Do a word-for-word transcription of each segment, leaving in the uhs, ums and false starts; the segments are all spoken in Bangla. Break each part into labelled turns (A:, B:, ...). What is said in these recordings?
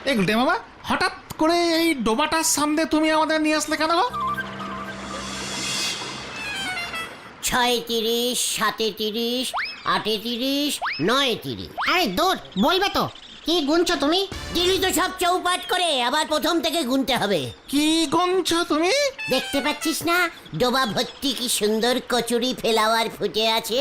A: এই গুলটে মামা হঠাৎ করে এই ডোবাটার সামনে তুমি আমাদের নিয়ে আসলে কেন গো?
B: ছয় তিরিশ, সাতে তিরিশ, আটে তিরিশ, নয় তিরিশ।
C: আরে দূর বলবে তো কি গুনছো তুমি?
B: দিলি তো সব চৌপাট করে, আবার প্রথম থেকে গুনতে হবে।
A: কি গুনছো তুমি?
B: দেখতে পাচ্ছিস না ডোবা ভর্তি কি সুন্দর কচুরি ফেলাওয়ার ফুটে আছে।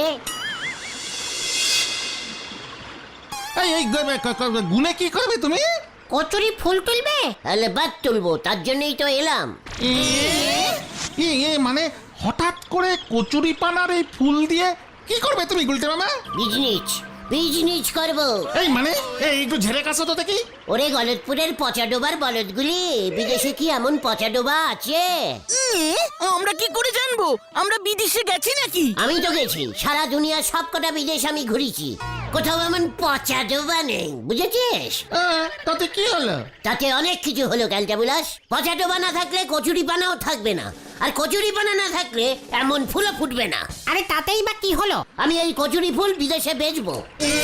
A: এই এই গ- গ- গ- গুনে কি করবে তুমি?
C: কচুরি ফুল তুলবে?
B: তাহলে বাদ তুলবো, তার জন্যই তো এলাম।
A: এ এ মানে হঠাৎ করে কচুরি পানার এই ফুল দিয়ে কি করবে তুমি গুলটে মামা?
B: বিজনিচ বিজনিচ করবো।
A: এই মানে এই একটু ঝেড়ে কাছো তো দেখি।
B: ওরে গলতপুরের পচা ডোবার বলদগুলি, বিদেশে কি এমন পচা ডোবা আছে?
D: আমরা কি করে জানবো? আমরা বিদেশে গেছি নাকি?
B: আমি তো গেছি, সারা দুনিয়ার সব কটা বিদেশ আমি ঘুরেছি, কোথাও এমন পচা ডোবা নেই, বুঝেছিস?
A: আহ, তাতে কি হলো?
B: তাতে অনেক কিছু হলো ক্যালটাবুলাস। পচা ডোবা না থাকলে কচুরি পানাও থাকবে না, আর কচুরি পানা না থাকলে এমন ফুলও ফুটবে না।
C: আরে তাতেই বা কি হলো?
B: আমি এই কচুরি ফুল বিদেশে বেচবো।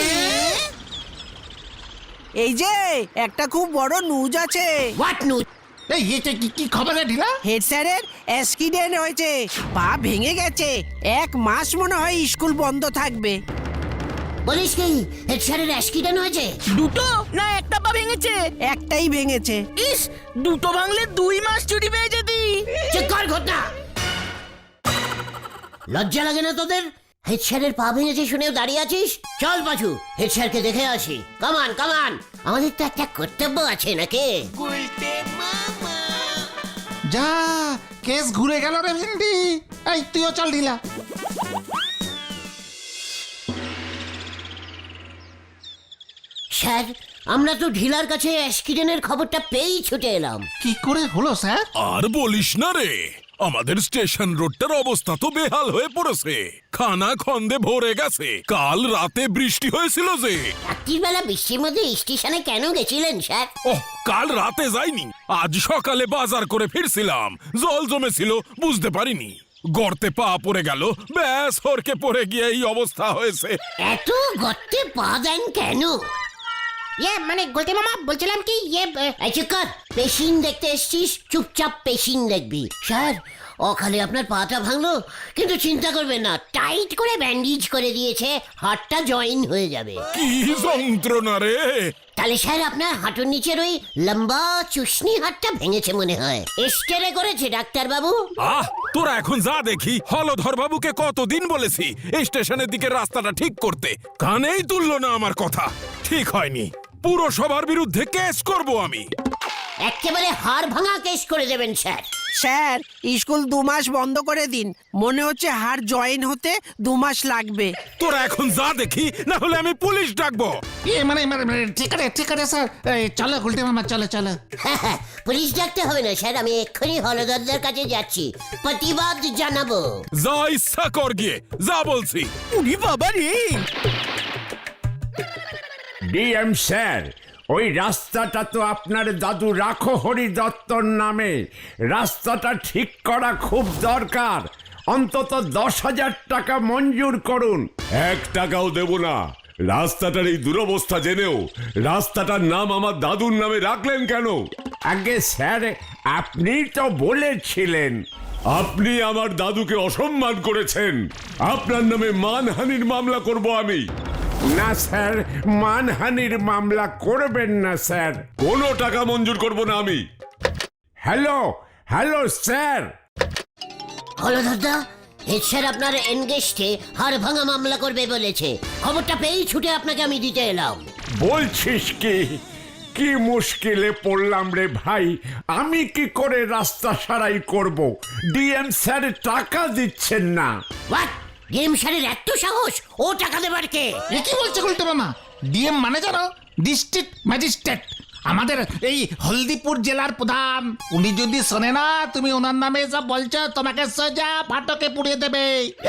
D: এই যে একটা খুব বড় নিউজ আছে।
B: What news?
A: এই এটা কি কি খবর রে ঢিলা?
D: হেড স্যারের অ্যাক্সিডেন্ট হয়েছে, পা ভেঙে গেছে, এক মাস মনে হয় স্কুল বন্ধ থাকবে।
B: বলিস কি হেড স্যারের অ্যাক্সিডেন্ট হয়েছে?
D: দুটো না একটা পা ভেঙেছে? একটাই ভেঙেছে। ইস, দুটো ভাঙলে দুই মাস ছুটি পেয়ে যেতি।
B: চেক কর ঘটনা। লজ্জা লাগে না তোদের? হেড স্যারের পা ভেঙেছে শুনেও দাঁড়িয়ে আছিস? চল পাছু, হেড স্যারকে দেখে আসি। কামান কামান, আমাদের তো একটা কর্তব্য আছে নাকি?
A: যা কেস ঘুরে গেল রে ভেন্ডি। এই তুইও চল ঢিলা।
B: স্যার, আমরা তো ঢিলার কাছে অ্যাক্সিডেন্টের খবরটা পেয়েই ছুটে এলাম।
A: কি করে হলো স্যার?
E: আর বলিস না রে, আমাদের স্টেশন রোডটার অবস্থা তো বেহাল হয়ে পড়েছে, খানা খন্দে ভরে গেছে। কাল রাতে বৃষ্টি হয়েছিল যে।
B: রাত্রির বেলা বৃষ্টির মধ্যে স্টেশনে কেন গেছিলেন স্যার?
E: ওহ, কাল রাতে যাইনি, আজ সকালে বাজার করে ফিরছিলাম, জল জমেছিল বুঝতে পারিনি, গর্তে পা পড়ে গেল, ব্যাস হরকে পড়ে গিয়ে এই অবস্থা হয়েছে।
B: এত গর্তে পা দেন কেন?
C: ইয়ে মানে গোলটে মামা বলছিলাম কি ইয়ে এ,
B: এই চুপ কর, পেশিন দেখতে এসছিস, চুপচাপ পেশিন দেখবি। স্যার, অকালে আপনার পাটা ভাঙলো, কিন্তু চিন্তা করবেন না, টাইট করে ব্যান্ডেজ করে দিয়েছে, হাড়টা জয়েন হয়ে যাবে।
E: কি যন্ত্রণা রে!
B: তাহলে স্যার আপনার হাঁটুর নিচের ওই লম্বা চুষনি হাড়টা ভেঙেছে মনে হয়। এস্টেরে করেছে ডাক্তার বাবু।
E: আহ, তোরা এখন যা দেখি, হলধর বাবুকে কতদিন বলেছি এই স্টেশনের দিকে রাস্তাটা ঠিক করতে, কানেই তুললো না আমার কথা। ঠিক হয়নি, পুরসভার বিরুদ্ধে কেস করব আমি।
B: একেবারে হাড় ভাঙা কেস করে দেবেন স্যার।
D: স্যার, স্কুল দু মাস বন্ধ করে দিন, মনে হচ্ছে হাড় জয়েন হতে দু মাস লাগবে।
E: তোরা এখন যা দেখি, না হলে আমি পুলিশ ডাকবো।
A: এ মানে মানে মানে, ঠিক আছে ঠিক আছে স্যার। এই চলো গুলটে মামা, চলো চলো।
B: হ্যাঁ হ্যাঁ, পুলিশ ডাকতে হবে না স্যার, আমি এক্ষুনি হলদরদের কাছে যাচ্ছি, প্রতিবাদ জানাবো।
E: যা ইচ্ছা কর গিয়ে, যা বলছি।
D: উনি বাবা রে!
F: ডিএম স্যার, ওই রাস্তাটা তো আপনার দাদু রাখো হরি দত্তর নামে, রাস্তাটা ঠিক করা খুব দরকার, অন্তত দশ হাজার টাকা মঞ্জুর করুন।
G: এক টাকাও দেব না। রাস্তাটার এই দুরবস্থা জেনেও রাস্তাটার নাম আমার দাদুর নামে রাখলেন কেন?
F: আগে স্যার, আপনি তো বলেছিলেন।
G: আপনি আমার দাদুকে অসম্মান করেছেন, আপনার নামে মানহানির মামলা করব আমি।
F: না স্যার, মানহানির মামলা করবেন না স্যার।
G: কোনো টাকা মঞ্জুর করব না আমি।
F: Hello hello sir.
B: হলদরদা, হেড স্যার আপনার এনগেস্টে হাড় ভাঙা মামলা করবে বলেছে, খবরটা পেয়েই ছুটে আপনাকে আমি দিতে এলাম।
F: বলছিস কি? কি মুশকিলে পড়লাম রে ভাই, আমি কি করে রাস্তা সারাই করব? ডিএম স্যার টাকা দিচ্ছেন না।
B: হোয়াট? ডিএম স্যারের এত সাহস, ও টাকা দেবার কে?
A: এ কি বলছে গুলটে মামা? ডিএম মানে জানো? ডিস্ট্রিক্ট ম্যাজিস্ট্রেট, আমাদের এই হলদিপুর জেলার প্রধান। উনি যদি শোনে না তুমি ওনার নামে যা বলছো, তোমাকে সোজা ফাটকে পুড়িয়ে দেবে।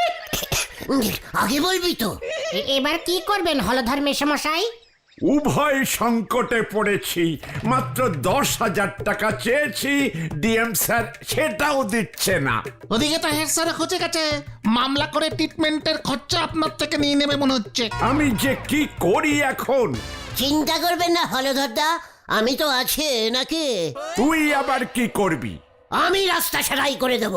B: আগে বলবি তো।
C: এ- এবার কি করবেন হলধর মেশামশাই?
F: উভয় সংকটে পড়েছি, মাত্র দশ হাজার টাকা চেয়েছি, ডিএম স্যার সেটাও দিচ্ছে না।
A: ওদিকে তো হেড স্যার খুঁজে গেছে, মামলা করে ট্রিটমেন্টের খরচা আপনার থেকে নিয়ে নেবে মনে হচ্ছে।
F: আমি যে কি করি এখন?
B: চিন্তা করবেন না হলধরদা, আমি তো আছে নাকি?
F: তুই আবার কি করবি?
B: আমি রাস্তা সারাই করে দেব,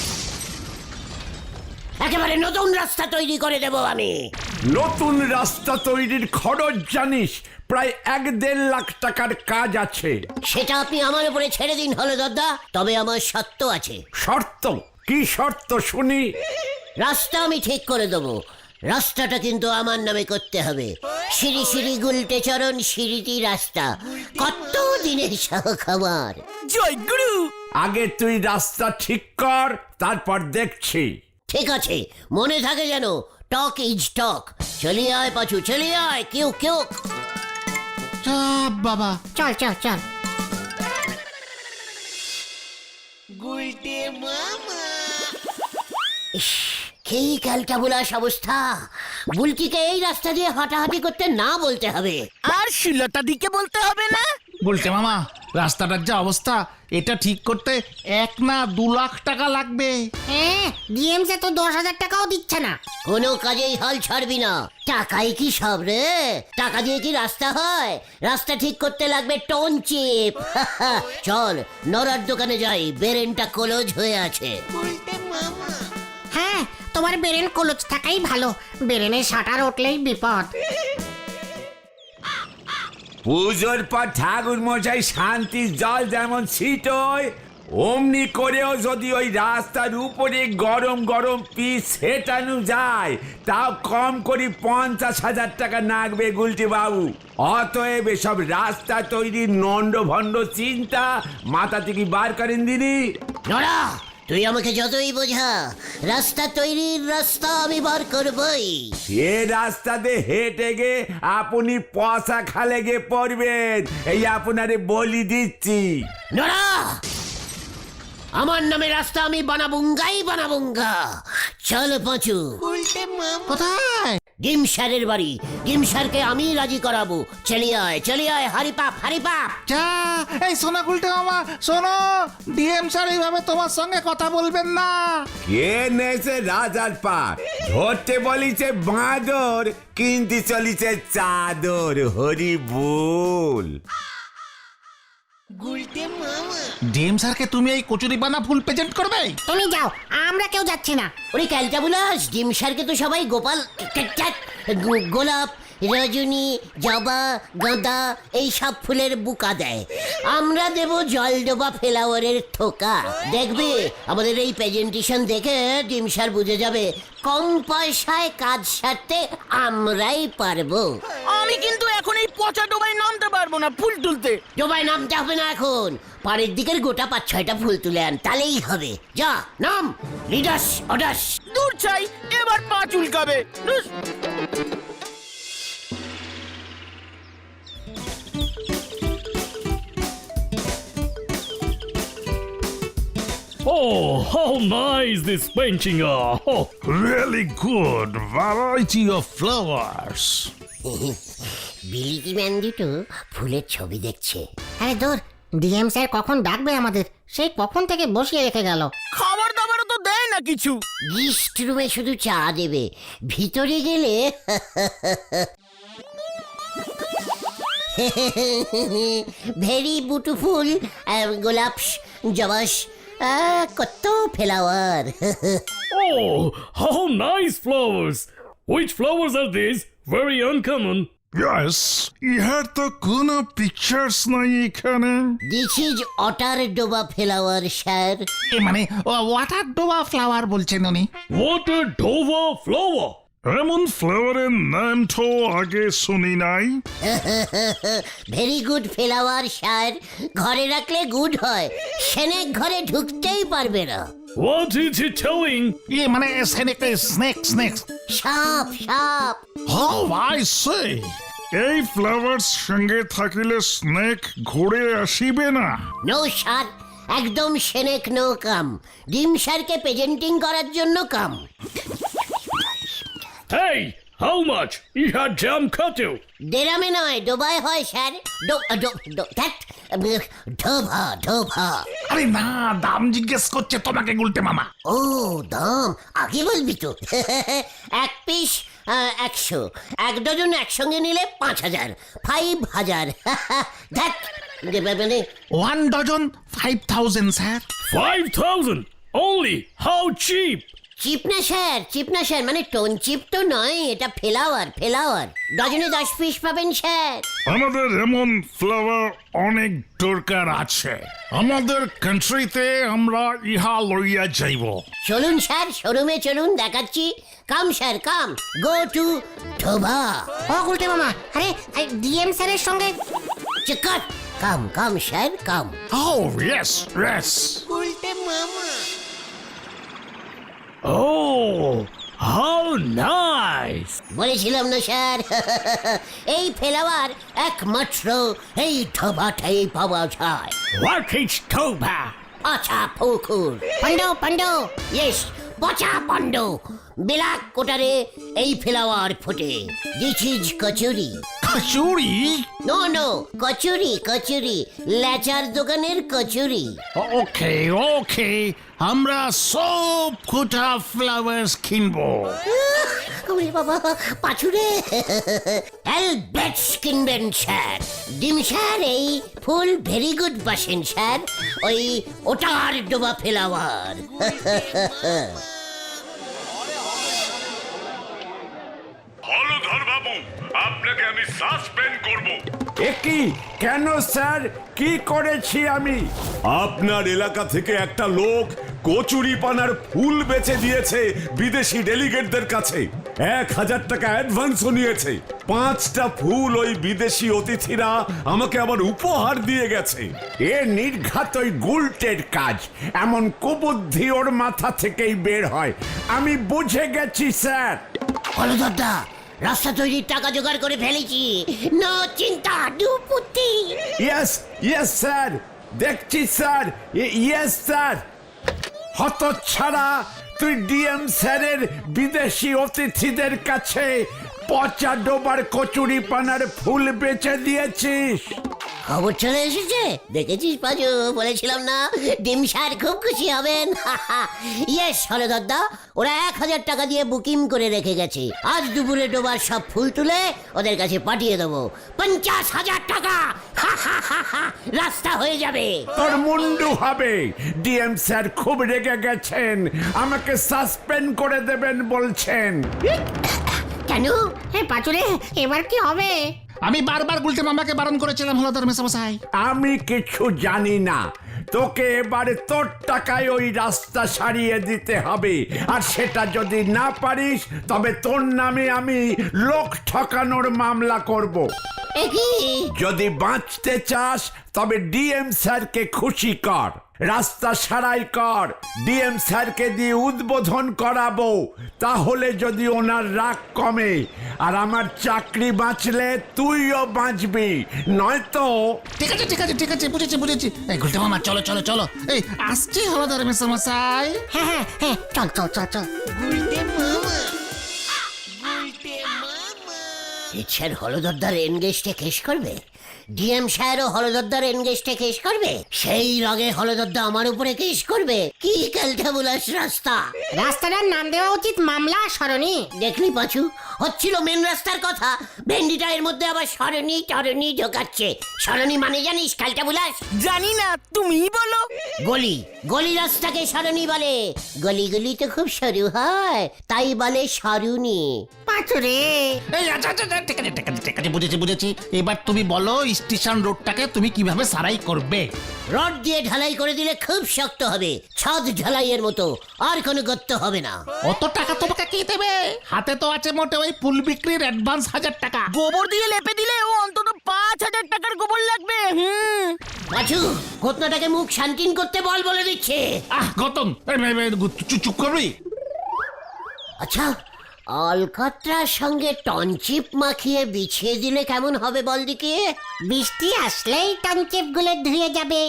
B: একেবারে নতুন রাস্তা তৈরি করে দেব আমি।
F: নতুন রাস্তা তৈরির খরচ জানিস প্রায় এক দেড় লাখ টাকার কাজ আছে।
B: সেটা আপনি আমার উপরে ছেড়ে দিন হলো দাদা, তবে আমার শর্ত আছে।
F: শর্ত? কি শর্ত শুনি?
B: রাস্তা আমি ঠিক করে দেবো, রাস্তাটা কিন্তু আমার নামে করতে হবে। সিঁড়ি সিঁড়ি গুলটে চরণ সিঁড়িটি রাস্তা, কত দিনের শখ আমার।
D: জয় গুরু।
F: আগে তুই রাস্তা ঠিক কর, তারপর দেখছি।
B: ঠিক আছে, মনে থাকে যেন, টক ইজ টক। চলিয়ে আয় পাচু, চলিয়ে আয়, কেউ কেউ।
A: চাপ বাবা।
C: চল চল চল।
B: ইস, কি ক্যালটা বুলাস অবস্থা। বুলকিকে এই রাস্তা দিয়ে হাঁটাহাঁটি করতে না বলতে হবে।
D: আর শিলতা দিকে বলতে হবে না।
A: বলতে মামা, রাস্তাটার যা অবস্থা, এটা ঠিক করতে এক না দু লাখ টাকা লাগবে।
C: হ্যাঁ, ডিএমসে তো দশ হাজার টাকাও দিচ্ছে না।
B: কোনো কাজেই হাল ছাড়বি না। টাকাই কি সব রে? টাকা দিয়ে কি রাস্তা হয়? রাস্তা ঠিক করতে লাগবে টোন চিপ। চল নরার দোকানে যাই, বেরেনটা কলজ হয়ে আছে।
C: হ্যাঁ, তোমার বেরেন কলচ থাকাই ভালো, বেরেনে শাটার উঠলেই বিপদ।
F: পুজোর পর ঠাকুর মশাই শান্তির জল যেমন ছিটোয়, অমনি করেও যদি ওই রাস্তার উপরে গরম গরম পিস সেটানো যায়, তাও কম করে পঞ্চাশ হাজার টাকা লাগবে গুলটি বাবু। অতএব এসব রাস্তা তৈরির নন্ড ভণ্ড চিন্তা মাথা থেকে বার করেন দিদি।
B: নরা, তুই আমাকে যতই বোঝা, রাস্তা তৈরির রাস্তা আমি বার করবই।
F: সে রাস্তাতে হেঁটে গে আপনি পয়সা খালে গে পড়বেন, এই আপনারে বলি দিচ্ছি।
B: নরা, আমার নামে রাস্তা আমি বানাবুঙ্গাই বানাবুঙ্গা। চল পাঁচু।
A: কোথায়?
B: ডিম স্যারের বাড়ি। ডিম স্যারকে আমি রাজি করাবো। চলিয়ে আয়, চলিয়ে আয়, হারি পাপ, হারি পাপ।
A: যা, এই শোনো গুলটে মামা, শোনো, ডিএম স্যার এইভাবে তোমার সঙ্গে কথা বলবেন না।
F: কে নেছে রাজার পাট, ধরতে বলিছে বাঁদর, কিনতে চলিছে চাদর। হরি বল।
A: ডিএম স্যারকে তুমি এই কচুরি বানা ফুল প্রেজেন্ট করবে?
C: তুমি যাও, আমরা কেউ যাচ্ছি না।
B: ওরে ক্যালটা বুলাস, ডিম স্যারকে তো সবাই গোপাল, গো- গোলাপ, রজনী, জবা, গাঁদা এই সব ফুলের বুকা দেয়। আমরা দেব জলডোবা ফ্লাওয়ারের থোকা। দেখবে আমাদের এই প্রেজেন্টেশন দেখে ডিম স্যার বুঝে যাবে কম পয়সায় কাজ সারতে আমরাই পারবো।
D: আমি কিন্তু এখন এই পচা ডোবায় নামতে পারবো না ফুল তুলতে।
B: ডোবায় নামতে হবে না এখন, পাড়ের দিকের গোটা পাঁচ ছয়টা ফুল তুলে আন, তাহলেই হবে। যা নাম, লিডাস অডাস।
D: দূর চাই, এবার পা চুলকাবে। ধুস।
H: Oh, how nice this painting are! Oh,
I: Really good variety of flowers.
B: বিলিতি ম্যান দুটো ফুলের ছবি দেখছে।
C: আরে দূর, ডিএম স্যার কখন ডাকবে আমাদের, সেই কখন থেকে বসিয়ে রেখে গেল।
D: খাবার দাবারও তো দেয় না কিছু।
B: গিস্ট রুমে শুধু চা দেবে, ভিতরে গেলে ভেরি বিউটিফুল গোলাপস, জবাস, আহ, কত flower.
H: oh, how nice flowers! Which flowers are these? Very uncommon.
I: Yes, ইহার তো কোনো পিকচার্স নাই এখানে।
B: দিস ইজ অটার ডোবা ফ্লাওয়ার স্যার।
A: এ মানে ওয়াটার ডোবা ফ্লাওয়ার বলছেন উনি।
H: What a Dova flower!
I: এমন ফ্লাওয়ারের নাম তো আগে শুনি নাই।
B: ভেরি গুড ফ্লাওয়ার স্যার, ঘরে রাখলে গুড হয়, সেনেক ঘরে ঢুকতেই পারবে না।
H: What is he telling?
A: এ মানে স্নেক স্নেক স্নেক।
B: সাপ সাপ।
I: How I say, এই ফ্লাওয়ার সঙ্গে থাকিলে স্নেক ঘুরে আসিবে না।
B: নো স্যার, একদম সেনেক নো কাম। ডিম স্যারকে প্রেজেন্টিং করার জন্য কাম।
H: Hey, how much? He had jam cut you.
B: দেরামে নয়, ডোবায় হয় স্যার। ডো- ডো- ডো- ধ্যাৎ, ঢোভা ঢোভা।
A: আরে না, দাম জিজ্ঞেস করছে তোমাকে গুলটে মামা।
B: ও দাম আগে বলবি তো। এক পিস একশো, এক ডজন একসঙ্গে নিলে পাঁচ হাজার, ফাইভ হাজার। ধ্যাৎ, মানে
A: one dozen five thousand sir.
H: Five thousand only? How cheap?
B: Cheap না স্যার, চিপ না স্যার, মানে টোন চিপ তো নয়, এটা ফ্লাওয়ার ফ্লাওয়ার। ডজনে দশ পিস পাবেন স্যার।
I: আমাদের এমন ফ্লাওয়ার অনেক দরকার আছে, আমাদের কান্ট্রিতে আমরা ইহা লইয়া যাইব।
B: চলুন স্যার, শোরুমে চলুন, দেখাচ্ছি। কাম স্যার কাম, গো টু ধোবা।
C: ও গুলটে মামা, আরে ডিএম স্যারের সঙ্গে
B: চিকট, come come sir come.
I: Oh, yes, yes.
H: Oh, how nice!
B: বলেছিলাম না স্যার, এই ফ্লাওয়ার একমাত্র এই ধোবাটাই পাওয়া যায়।
H: What is Toba?
B: আচ্ছা পুকুর
C: পান্ডু পান্ডু
B: ইয়েস, পচা পণ্ড বিলাক কোটারে এই ফ্লাওয়ার ফোটে। This is kachori.
A: Kachori?
B: No no, kachori kachori, লেচার দোকানের কচুরি।
A: ওকে ওকে, আমরা সব কোটা ফ্লাওয়ার্স কিনবো।
B: ওরে বাবা পাছুরে, অ্যালবেটস কিনবেন স্যার। ডিম স্যার এই ফুল ভেরি গুড বাসেন স্যার, ওই ওটার ডোবা ফ্লাওয়ার।
G: হলধর বাবু, আপনাকে আমি সাসপেন্ড করব।
F: একই কেন স্যার, কি করেছি আমি?
G: আপনার এলাকা থেকে একটা লোক কচুরি পানার ফুল বেচে দিয়েছে বিদেশি ডেলিগেটদের কাছে। এক হাজার টাকা অ্যাডভান্সও নিয়েছে। পাঁচটা ফুল ওই বিদেশি অতিথিরা আমাকে আবার উপহার দিয়ে গেছে।
F: এ নির্ঘাত ওই গুলটের কাজ, এমন কুবুদ্ধি ওর মাথা থেকেই বের হয়। আমি বুঝে গেছি স্যার।
B: হলদরদা, রাস্তা তৈরির টাকা জোগাড় করে ফেলেছি, নো চিন্তা দুপুতি।
F: ইয়েস ইয়েস স্যার, দেখছি স্যার, ইয়েস স্যার। হতচ্ছাড়া, তুই ডিএম স্যারের বিদেশি অতিথিদের কাছে পচা ডোবার কচুরি পানার ফুল বেচে দিয়েছিস।
B: খবর চলে এসেছে, দেখেছিস পাজু, বলেছিলাম না ডিম স্যার খুব খুশি হবেন। ইয়েস হলদরদা, ওরা এক হাজার টাকা দিয়ে বুকিং করে রেখে গেছে। আজ দুপুরে ডোবার সব ফুল তুলে ওদের কাছে পাঠিয়ে দেবো। পঞ্চাশ হাজার টাকা, হা হা হা হা, রাস্তা হয়ে যাবে।
F: তোর মুন্ডু হবে। ডিএম স্যার খুব রেগে গেছেন, আমাকে সাসপেন্ড করে দেবেন বলছেন।
B: কেন?
C: হে পাচুরে, এবার কি হবে?
A: আমি বারবার গুলটে মামাকে বারণ করেছিলাম হলধর মেসামশাই।
F: আমি কিছু জানি না, তোকে এবারে তোর টাকায় ওই রাস্তা সারিয়ে দিতে হবে। আর সেটা যদি না পারিস, তবে তোর নামে আমি লোক ঠকানোর মামলা করব।
B: একই
F: যদি বাঁচতে চাস, তবে ডিএম স্যারকে খুশি কর, রাস্তা সারাই কর, ডিএম স্যারকে দিয়ে উদ্বোধন করাবো। তাহলে যদি ওনার রাগ কমে, আর আমার চাকরি বাঁচলে তুইও বাঁচবি, নয়তো।
A: ঠিক আছে ঠিক আছে ঠিক আছে, বুঝেছি বুঝেছি। এই গুলটে মামা চলো চলো চলো, এই আসছি হলধর মেসামশাই।
C: হ্যাঁ হ্যাঁ হ্যাঁ, চল চল চল চল।
B: স্যার হলদরদার এনগেজটা কেস করবে, ডিএম স্যারও হলদরদার এনগেজটা কেস করবে, সেই রাগে হলদরদা আমার উপরে কেস করবে। কি ক্যালটাবুলাস রাস্তা!
C: রাস্তাটার নাম দেওয়া উচিত মামলা সরণি।
B: দেখলি পাচু, হচ্ছিল মেন রাস্তার কথা, ভেন্ডিটা এর মধ্যে আবার সরণি টরণি ঢোকাচ্ছে। সরণি মানে জানিস ক্যালটাবুলাস?
D: জানি না, তুমিই বলো।
B: গলি, গলি রাস্তাকে সরণি বলে। গলিগুলি তো খুব সরু হয়, তাই বলে সরুনি।
C: পাচুরে,
A: এই আচ্ছা আচ্ছা আচ্ছা, ঠিক আছে ঠিক আছে ঠিক আছে, বুঝেছি বুঝেছি। এবার তুমি বলো স্টেশন রোডটাকে তুমি কিভাবে সারাই করবে?
B: রড দিয়ে ঢালাই করে দিলে খুব শক্ত হবে, ছাদ ঢালাইয়ের মতো, আর কোনো গর্ত হবে না।
A: অত টাকা তোমাকে কে দেবে? হাতে তো আছে মোটে ওই ফুল বিক্রির অ্যাডভান্স হাজার টাকা।
D: গোবর দিয়ে লেপে দিলে ও অন্তত পাঁচ হাজার টাকার গোবর লাগবে। হুম,
B: পাচু, ঘটনাটাকে মুখ শান্তিন করতে বল বলে দিচ্ছে।
A: আহ গতম, এই, এই, এই, চুপ চুপ করবি?
B: আচ্ছা, অলকাত্রার সঙ্গে টনচিপ মাখিয়ে বিছিয়ে দিলে কেমন হবে বল দিকে?
C: বৃষ্টি আসলেই টনচিপ গুলো ধুয়ে যাবে।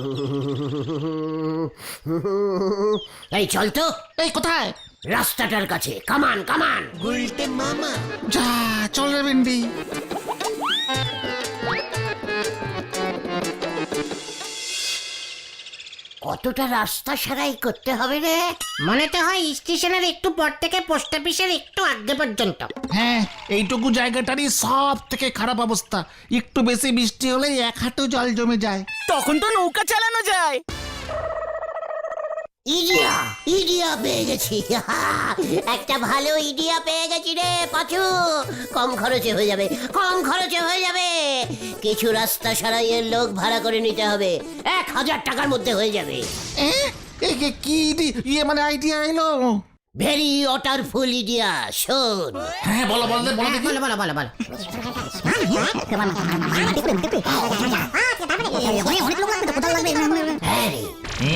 B: এই চল তো,
A: এই কোথায়?
B: রাস্তাটার কাছে, কামান কামান।
A: যা চল রে ভেন্ডি।
B: কতটা রাস্তা সারাই করতে হবে রে?
C: মনে তো হয় স্টেশনের একটু পর থেকে পোস্ট অফিসের একটু আগে পর্যন্ত।
A: হ্যাঁ, এইটুকু জায়গাটারই সব থেকে খারাপ অবস্থা। একটু বেশি বৃষ্টি হলেই এক হাঁটু জল জমে যায়।
D: তখন তো নৌকা চালানো যায়।
B: ইডিয়া ইডিয়া পেয়ে গেছি। একটা ভালো ইডিয়া পেয়ে গেছি রে পাচু। কম খরচে হয়ে যাবে, কম খরচে হয়ে যাবে। কিছু রাস্তা সারাইয়ের লোক ভাড়া করে নিতে হবে, এক হাজার টাকার মধ্যে হয়ে যাবে।
A: এ, এ, এ, কি ইডি- ইয়ে মানে আইডিয়া এলো?
B: ভেরি ওয়াটারফুল ইডিয়া, শোন।
A: হ্যাঁ, বলো বলো দে, বলো দেখি।
C: বলো বলো বলো বলো।
B: হ্যাঁ রে,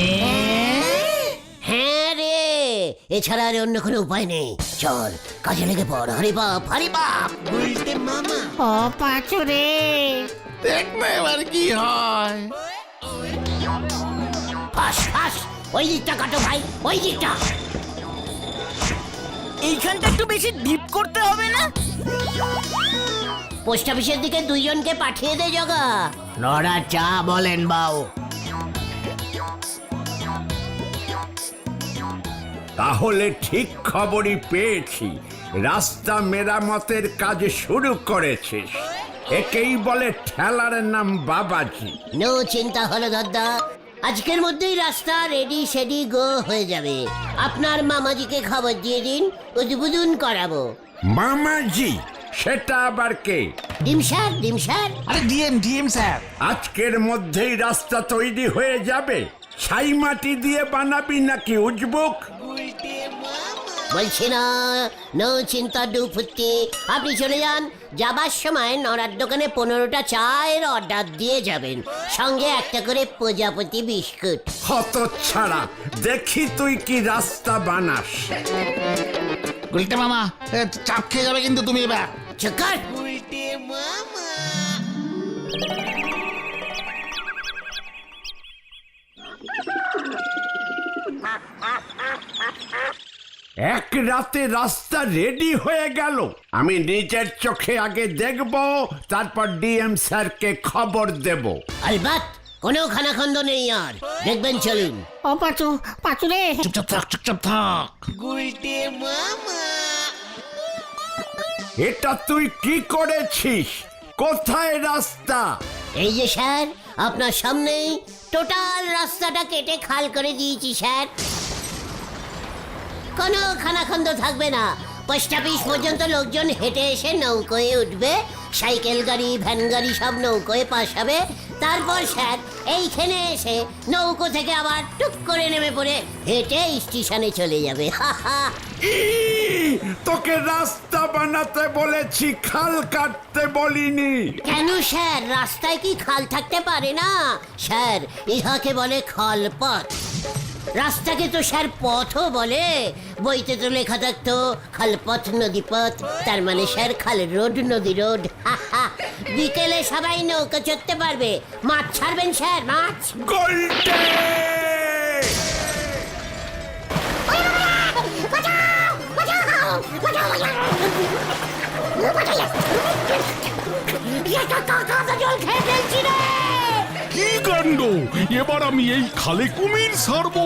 B: হ্যাঁ রে, এছাড়া আর অন্য কোনো উপায় নেই। চল কাজে লেগে পড়। হরি বাপ, হরি বাপ। উল্টে মামা।
C: ও পাঁচু রে,
A: দেখ না এবার কি হয়।
B: ফাঁস ফাঁস, ওই দিকটা কাটো ভাই, ওই দিকটা।
D: এইখানটা একটু বেশি ডিপ করতে হবে না?
B: পোস্ট অফিসের দিকে দুইজনকে পাঠিয়ে দে জগা।
D: নড়া চা বলেন বাউ।
F: তাহলে ঠিক খবরই পেয়েছি, রাস্তা মেরামতের কাজ শুরু করেছিস। একেই বলে ঠেলার নাম বাবাজি।
B: নো চিন্তা হলো দাদা, আজকের মধ্যেই রাস্তা রেডি সেডি গো হয়ে যাবে। আপনার মামাজিকে খবর দিয়ে দিন, উদ্বোধন করাবো।
F: মামাজি? সেটা আবার কে?
B: ডিম স্যার, ডিম স্যার।
A: আরে ডিএম ডিএম স্যার।
F: আজকের মধ্যেই রাস্তা তৈরি হয়ে যাবে? ছাই মাটি দিয়ে বানাবি নাকি উজবুক?
B: বলছি না, নো চিন্তা ডুফুতি। আপনি চলে যান, যাবার সময় নড়ার দোকানে পনেরোটা চায়ের অর্ডার দিয়ে যাবেন, সঙ্গে একটা করে প্রজাপতি বিস্কুট।
F: হত ছাড়া, দেখি তুই কি রাস্তা বানাস।
A: উল্টে মামা, এ, চাপ খেয়ে যাবে কিন্তু তুমি এবার।
B: চক্কর।
F: এক রাতে রাস্তা রেডি হয়ে গেল। আমি নিজের চোখে আগে দেখব, তারপর ডিএম স্যারকে খবর দেব।
B: আলবাত, কোনো খানাখন্দ নেই আর, দেখবেন চলুন।
C: ও পাঁচু, পাঁচু রে।
A: চুপচাপ থাক, চুপচাপ থাক।
F: এটা তুই কি করেছিস? কোথায় রাস্তা?
B: এই যে স্যার, আপনার সামনেই টোটাল রাস্তাটা কেটে খাল করে দিয়েছি স্যার। কোনো খানাখন্দ থাকবে না। পোস্ট অফিস পর্যন্ত লোকজন হেঁটে এসে নৌকোয় উঠবে, সাইকেল গাড়ি, ভ্যান গাড়ি সব নৌকোয় পাস হবে। তারপর স্যার এইখানে এসে নৌকো থেকে আবার টুক করে নেমে পড়ে হেঁটে স্টেশনে চলে যাবে।
F: ই, তোকে রাস্তা বানাতে বলেছি, খাল কাটতে বলিনি।
B: কেন স্যার, রাস্তায় কি খাল থাকতে পারে না? স্যার, ইহাকে বলে খালপথ। রাস্তাকে তো স্যার পথও বলে। বইতে তো লেখা থাকতো খালপথ নদীপথ, তার মানে স্যার খাল রোড নদী রোড। বিকেলে সবাই নৌকা চড়তে পারবে। মাছ ছাড়বেন স্যার, মাছ।
F: গোলটে!
B: জল খেয়ে ফেলছি রে।
I: কি কাণ্ড! এবার আমি এই খালে কুমির ছাড়বো।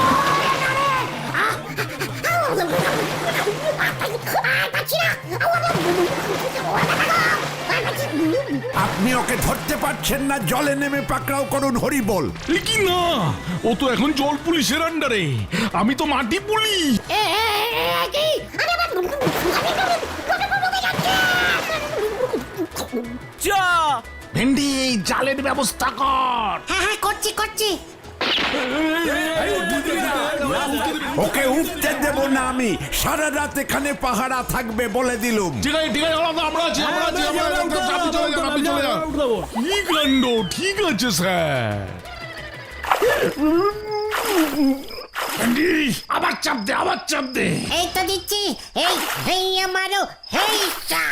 F: আপনি ওকে ধরতে পারছেন না, জলে নেমে পাকড়াও করুন, হরি বল।
I: এ কি না, ও তো এখন জল পুলিশের আন্ডারে, আমি তো মাটি পুলিশ।
D: চা।
A: ভেন্ডি, এই জালের ব্যবস্থা কর।
C: হ্যাঁ হ্যাঁ, করছি করছি।
F: ওকে উঠতে দেব না আমি, সারা রাত এখানে পাহারা থাকবে বলে দিলুম।
I: ঠিক আছে ঠিক আছে, আলাদা আমরা আছি, আমরা আছি, আমরা আছি, আপনি চলে যান, আপনি চলে যান। কি কাণ্ড! ঠিক আছে স্যার। ভেন্ডি, আবার চাপ দে, আবার চাপ দে।
C: এই তো দিচ্ছি। এই হেই আমারও হেই চা।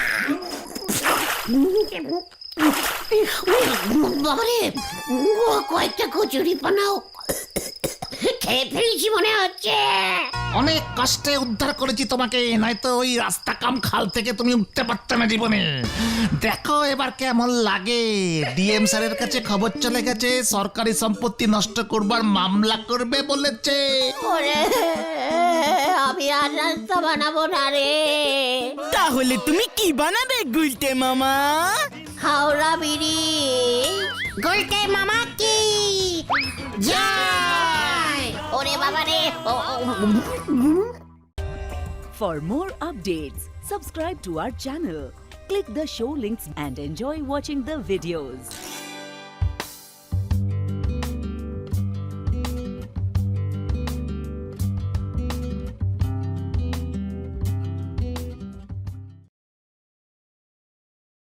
B: বাবারে, ও কয়েকটা কচুরি বানাও। খেয়ে ফেলেছি মনে হচ্ছে।
A: অনেক কষ্টে উদ্ধার করেছি তোমাকে, নয়তো ওই রাস্তা কাম খাল থেকে তুমি উঠতে পারতে না জীবনে। দেখো এবার কেমন লাগে। ডিএম স্যারের কাছে খবর চলে গেছে, সরকারি সম্পত্তি নষ্ট করবার মামলা করবে বলেছে।
B: ওরে আমি আর রাস্তা বানাবো না রে।
D: তাহলে তুমি কি বানাবে গুলটে মামা?
B: হাওড়া ব্রিজ।
C: গুলটে মামা কি জয়!
B: ওরে বাবা রে। ও- ও-
J: For more updates, subscribe to our channel, click the show links and enjoy watching the videos.